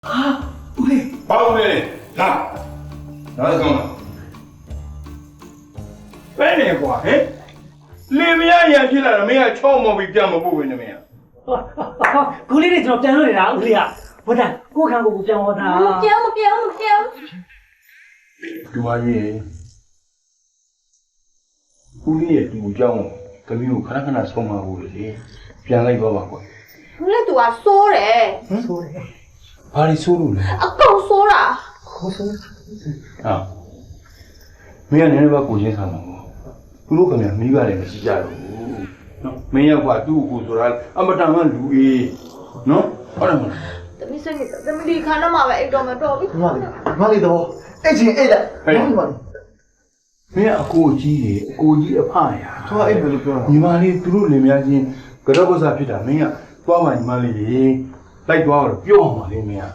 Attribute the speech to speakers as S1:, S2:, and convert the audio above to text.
S1: ဦးလေး
S2: ဘာလို့လဲလာလာကောင်းလားပဲနေကွာဟဲ့လင်မယားရံဖြစ်လာတော့မင်းကချောမော်ပြီးပြန်မဖို့ပဲနေမင်း
S1: ကိုလေးတွေကျွန်တော်ပြန်လို့နေတာဦးလေးကဘုဒ္ဓကိုခံကိုပြန်ဟောတာ
S3: မပြောင်း
S2: ဒီဝါကြီးဦးလေးရဲ့ဒီကိုကြောင်းကမီးကိုခဏခဏဆုံးမဖို့လေပြန်လိုက်တော့ပါကွာ
S3: ဘူးလေသူကစိုးတယ်
S1: ဆိုတယ်
S2: ဘာလို့ဆိုးလို့လဲ
S3: အကောင်စိုးတာ
S1: ခေါ်ဆို
S2: ဟာမင်းကလည်းဘာကိုချင်းဆာမှာပေါ့သူတို့ကလည်းမိပါတယ်မရှိကြတော့ဘူးနော်မင်းရောက်ကသူ့ကိုဆိုတာအမတန်ကလူအေးနော်ဟုတ်တယ်မလား
S3: တမီးစိတ်ကတမီးဒီခါတော့မှပဲအိတ်တော်မတော်ပြီ
S1: မလေးတော့အဲ့ချင်းအဲ့လက်ဘာလို့မလဲ
S2: မင်းအကိုကြီးရေအကိုကြီးအဖရာ
S1: သူကအဲ့ဘယ်လိုပြော
S2: ညီမလေးသူတို့လင်မယားချင်းကြောက်ကြစားဖြစ်တာမင်းကသွားမှညီမလေးရေလိုက်သွားတော့ပြောအောင်ပါလေမင်းက